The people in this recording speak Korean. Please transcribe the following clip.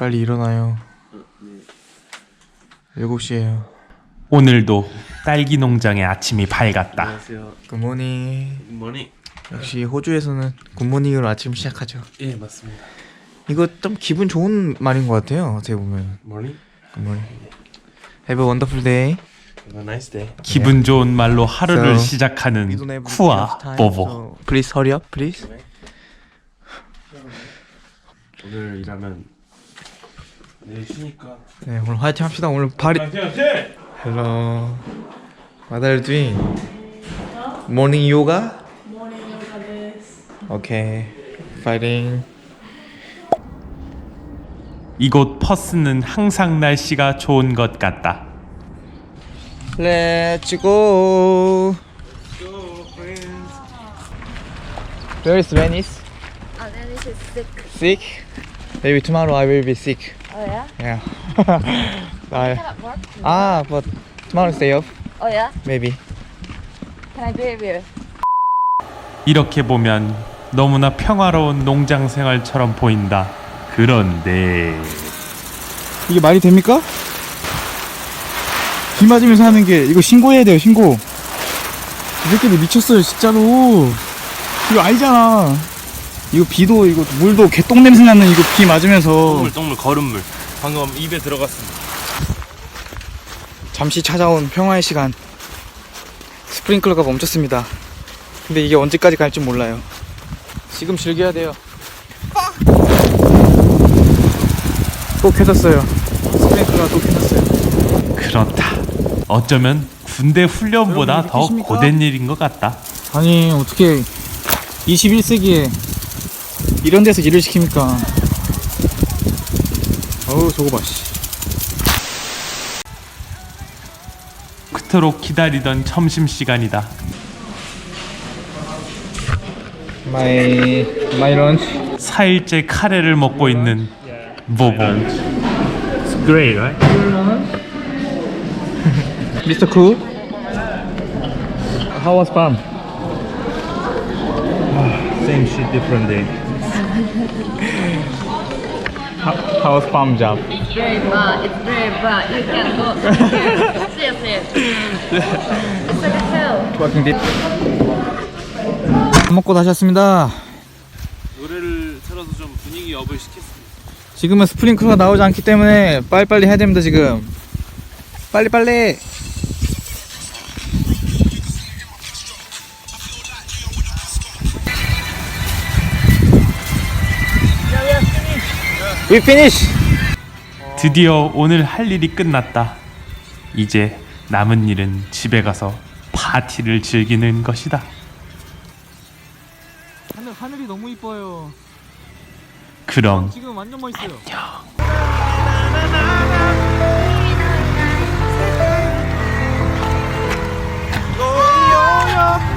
빨리 일어나요. 7시에요. 오늘도 딸기 농장의 아침이 밝았다. 안녕하세요. 굿모닝. 굿모닝. 역시 호주에서는 굿모닝으로 아침 시작하죠. 예, 맞습니다. 이거 좀 기분 좋은 말인 것 같아요. 어떻게 보면. 모닝. 굿모닝. Have a wonderful day. Have a nice day. 기분 좋은 말로 하루를 So, We 시작하는 don't have 쿠아 enough time, 보보. so please hurry up, please. 오늘 일하면 내일 쉬니까. 네, 오늘 화이팅 합시다. 오늘 발이. Hello. What are you doing? Morning yoga? Morning yoga this. Okay. Fighting. 이곳 퍼스는 항상 날씨가 좋은 것 같다. Let's go. Where is Venice? Oh, then this is sick. Sick? Maybe tomorrow I will be sick. Oh yeah? Yeah. Cannot work. But tomorrow's day off. Oh yeah? Maybe. Can I be with you? 이렇게 보면 너무나 평화로운 농장 생활처럼 보인다. 그런데 이게 말이 됩니까? 비 맞으면서 하는 게 이거 신고해야 돼요. 신고. 이 새끼들 미쳤어요 진짜로. 이거 아니잖아. 이거 비도 이거 물도 개똥 냄새 나는 이거 비 맞으면서 똥물 거름물. 방금 입에 들어갔습니다. 잠시 찾아온 평화의 시간. 스프링클러가 멈췄습니다. 근데 이게 언제까지 갈지 몰라요. 지금 즐겨야 돼요. 또 켜졌어요. 스프링클러가 또 켜졌어요. 그렇다. 어쩌면 군대 훈련보다 여러분, 더 느끼십니까? 고된 일인 것 같다. 아니 어떻게 21세기에 이런 데서 일을 시킵니까? 어우 저거 봐 씨. 그토록 기다리던 점심시간이다. My lunch. 4일째 카레를 먹고 있는 보보. It's great, right? Mr. Cool. How was farm? Same shit, different day. How was farm job? It's very bad. It's very bad. You can go. Seriously. It's like a hell. Working day. 밥 먹고 다시 왔습니다. 노래를 틀어서 좀 분위기 업을 시켰습니다. 지금은 스프링클러가 나오지 않기 때문에 빨리빨리 해야 됩니다 지금. 빨리빨리. We finish. 드디어 오늘 할 일이 끝났다. 이제 남은 일은 집에 가서 파티를 즐기는 것이다. 하늘이 너무 이뻐요. 그럼 지금 완전 멋있어요. 안녕.